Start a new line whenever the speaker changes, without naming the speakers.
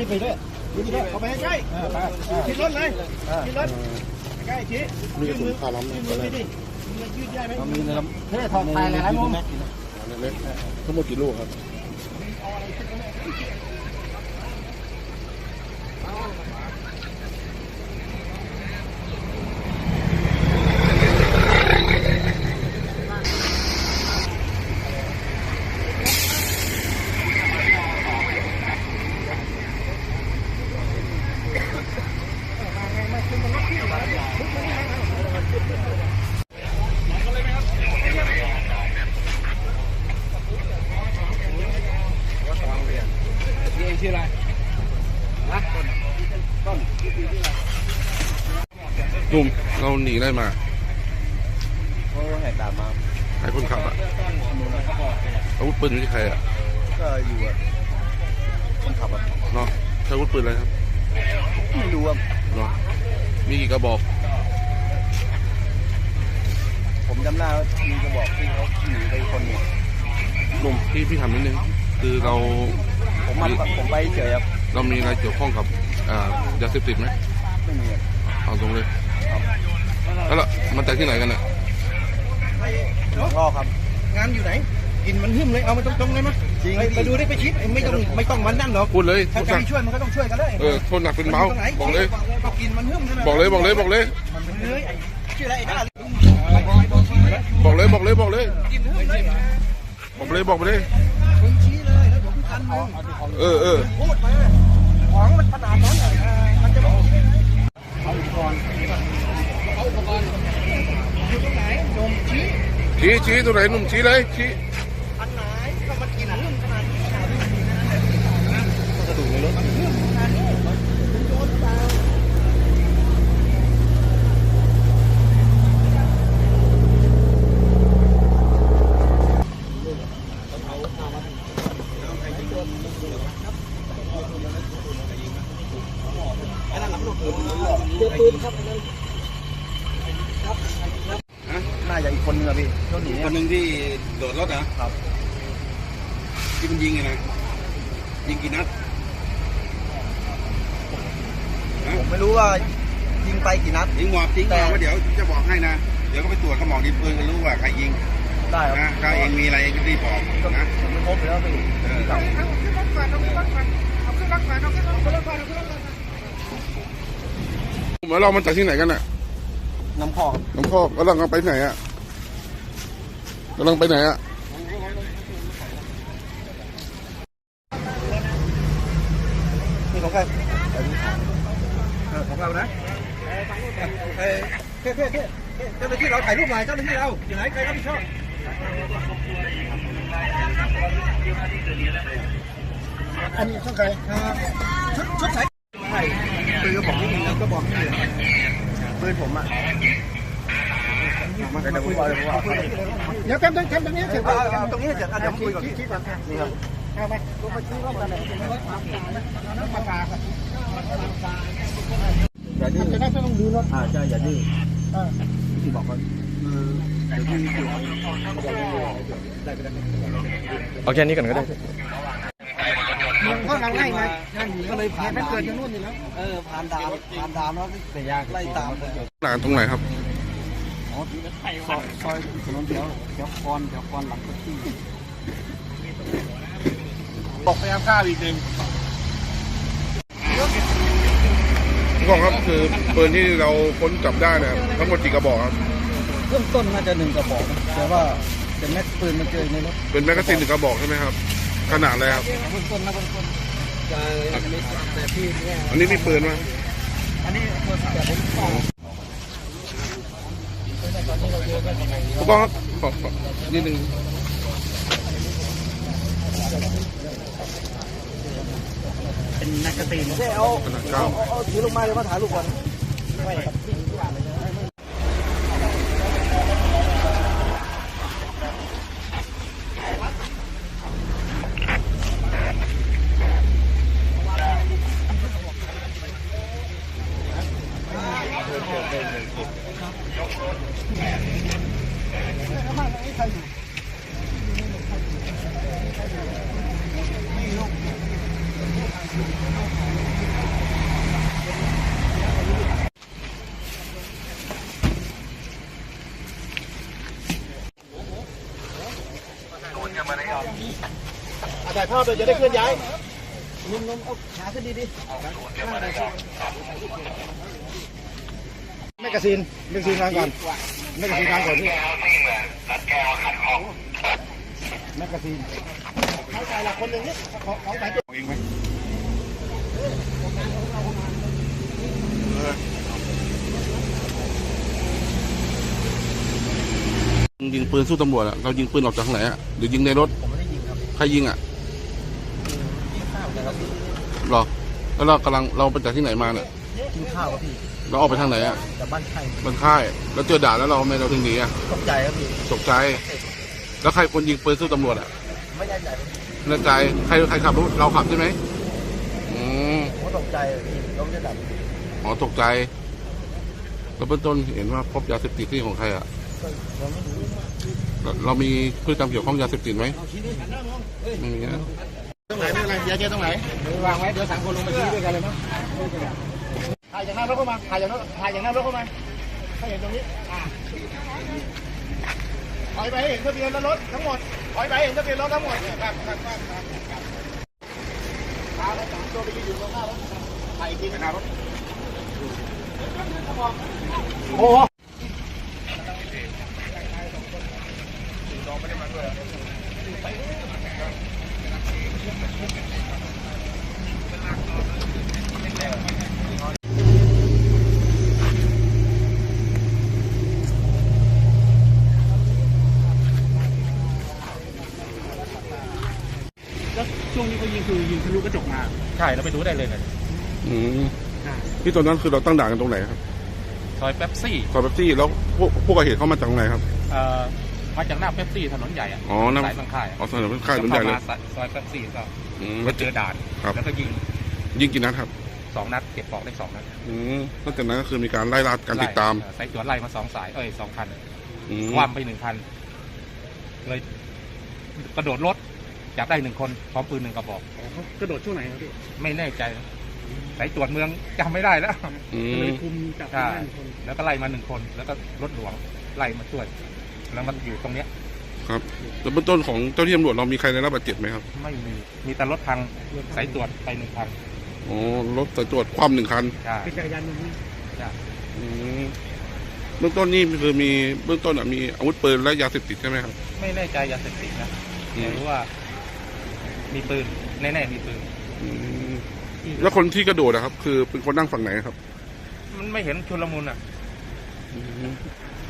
ไปด้วยเอาไปให้ใกล้ขี่รถเลยขี่รถใกล้ชี้มีถุงคาล้ำยืดดิยืดได้ไหมมีในลำเท่ทองไทยอะไรมั้งเล็กทั้งหมดกี่ลูกครับชื่ออะไรนะต้น
หนุ่มเราหนีได้มา
เขาแหกด่านมา
ใครคนขับอ่ะอาวุธปืนอยู่ที่ใครอ่ะ
ก็อยู่อ่ะคนขับอ่ะ
เนาะใช้อาวุธปืนอะไรครับ
ไม่รู้อ่ะ
เนาะมีกี่กระบอก
ผมจำได้ว่ามีกระบอกที่เขาหนีไปคนหนึ่ง
หนุ่มพี่ถามนิดนึงคือเรา
ผมไปเฉยครับ
เรามีอะไรเกี่ยวข้องกับยาเสพติดไหม
ไม่มี
เอาตรงเลยแล้วมันจากที่ไหนกันเนี่ย
พ่อครับงานอยู่ไหนกินมันหึ่มเลยเอามาตรงๆเลยมั้ยไปดูได้ไปชิดไม่ต้องมันนั่นหรอก
พูดเลย
ถ้าใครช่วยมันก็ต้องช่วยกันได้
โทษหนักเป็นเบาบอกเลย
กินมันหึ่มใช่ไหม
บอกเลยชื่อ
อะไรไอ้ด้า
บอกเลยกินหึ่มเลยบอกเลย
มึงชี้เลยแล้วผมกันมึงพูดไปของมันขนาดนั้นมันจะบอกเอาอุปกรณ์อยู่ตรงไหนนม
ชี้ตรงไหนหนุ่มชี้เลยชี้
อันไหนก็มันกินหึ่มขนาดนี้กระดูกในรถมันหึ่มขนาดนี้คุณโดนเปล่าน่าจะอีกคนนึงอะพี่
คนหนึ่งที่โดดรถนะครับที่มันยิงไงนะยิงกี่นัด
ผมไม่รู้ว่ายิงไปกี่นัด
ยิงหมอบจริงแต่ว่าเดี๋ยวจะบอกให้นะเดี๋ยวก็ไปตรวจกระบอกดินปืนกันรู้ว่าใครยิง
ได้
นะถ้าเองมีอะไรเองก็รีบบอกนะ
ผมไม่พบแล้วพี่
เรามาจากที่ไหนกันน่ะ
น้ำพอก
กำลังไปไหนอ่ะ
นี่ของใครของเรานะเจ้าหน้าที่เราถ่ายรูปหน่อยเจ้าหน้าที่เราอยู่ไหนใครรับผิดชอบอันนี้ช่องใครชุดใส่ปืนกระบอกนี่แล้วก็บอกนี่ปืนผมอ่ะเดี๋ยวแคมป์ตรงนี้เสร็จตรงนี้เสร็จเดี๋ยวคุยก่อนชี้ก่อนนี่ครับเอาไปลงไปชี้ว่าอะไรน้ำปลาครับอย่าดื้อจะได้ไม่ต้องดูรถใช่อย่าดื้อที่บอกเขาเดี๋ยวที่
เอาแค่นี้ก่อนก็ได้
ก็เราไล่ไงก็เลยผ่านเกิดที่นู่นนี่แล้วผ่านด่านแล้วแต่ยากไล่ตาม
ด่านตรงไหนครับ
ซอยถนนเดี๋ยวคอนหลังที่บอกพยายามฆ่าอีกหนึ่ง
ผู้กองครับคือปืนที่เราค้นจับได้เนี่ยทั้งหมดกี่กระบอกครับ
เริ่มต้นน่าจะ1 กระบอกแต่ว่าเป็นแม็กปืนมันเจอในรถ
เป็นแมกกาซีน1 กระบอกใช่ไหมครับขนาดอะไรครับ
เบื้องต้นแต่พี่เนี่ย
อันนี้มีปืนไหม
อันนี้แต่ผม
ผู้กองครับขอนิดนึง
เป็นแมกกาซีนเอาถือลงมาเลยมาถ่ายรูปก่อนถ่ายภาพเลยจะได้เคลื่อนย้ายนุ่มๆเอาขาขึ้นดีแมกกาซีนวางก่อนแมกกาซีนวางก่อนพี่แมกกาซีนเขาใส่ละคนหนึ่งนี่ของใส่ตัวเองไหม
ยิงปืนสู้ตำรวจอะเรายิงปืนออกจากทางไหนอะหรือยิงในรถผมไม่ได้ยิงครับใครยิงอะหรอแล้วเราไปจากที่ไหนมาเนี่ย
กินข้าวครับพี่
เราออกไปทางไหนอะ
จากบ้านไข่
บ้านค่ายแล้วเจอด่านแล้วเราไม่เราถึงหนีอะ
ตกใจครับพี่
ตกใจแล้วใครคนยิงปืนสู้ตำรวจอะ
ไม่ได้ใจ
แน่ใจใครขับรถเราขับใช่ไหม
ผมก็ตกใจพี่รถจะดับ
อ๋อตกใจแล้วเบื้องต้นเห็นว่าพบยาเสพติดที่ของใครอะ
เราไม่รู้
เรามีพฤติกรรมเกี่ยวข้องยาเสพติดไหมไม่มีนะ
ตรงไหนไม่เป็นไรยาเจตรงไหนวางไว้เดี๋ยว3 คนลงมาชี้ด้วยกันเลยมั้งถ่ายจากหน้ารถเข้ามาถ่ายจากหน้ารถเข้ามาให้เห็นตรงนี้ถอยไปให้เห็นทะเบียนรถทั้งหมดถอยไปให้เห็นทะเบียนรถทั้งหมดครับพาเรา3 ตัวไปยืนอยู่ตรงหน้ารถถ่ายอีกทีหน้ารถโอ้
แล้วช่วงนี้เขายิงคือยิงทะลุกระจกมาใช่เราไปดูได้เลยนะ
ที่ตอนนั้นคือเราตั้งด่านกันตรงไหนครับ
ซอยเป๊ปซี่
ซอยเป๊ปซี่แล้วผู้ก่อเหตุเข้ามาจากตรงไหนครับ
มาจากหน้าเป๊ปซี่ถนนใหญ่อะ
อ๋อน้ำ
สายบางค่าย
อ๋อถนนค่ายถนนใหญ่เลย
ข้ามาซอยเป๊ปซี่ก็
แล้ว
เจอด่าน
ครับ
แล้วก็ยิง
ยิงกี่นัดครับ
2 นัดเก็บปลอกได้2 นัด
นอกจากนั้นก็คือมีการไล่ล่าการติดตาม
สายตรวจไล่มา2 สาย2 คัน
อืม
คว่ำไป1 คันเลยกระโดดรถจับได้1 คนพร้อมปืน1 กระบอก
กระโดดช่วงไหนครับพี่
ไม่แน่ใจสายตรวจเมืองจำไม่ได้แล้ว
อืม
เลยคุมจับ
ใช่
ได้1 คน
แล้วก็ไล่มา1 คน แล้วก็รถหลวงไล่มาช่วย แล้วมันอยู่ตรงเนี้ย
ครับแล้วเบื้องต้นของเจ้าที่ตำรวจเรามีใครได้รับบาดเจ็บไหมครับ
ไม่มีแต่รถพังสายตรวจไป1 คัน
อ๋อรถสายตรวจคว่ำ1 คัน
ใช่
เป็นจักรยานยนต์
ใช่
อืมเบื้องต้นนี่คือมีเบื้องต้นมีอาวุธปืนและยาเสพติดใช่ไหมครับ
ไม่แน่ใจยาเสพติดนะ
อืม
แต่รู้ว่า มีปืนแน่ๆมีปืน
อืมแล้วคนที่กระโดดนะครับ คือเป็นคนนั่งฝั่งไหนครับ
มันไม่เห็นชุลมุนอ่ะ
อืม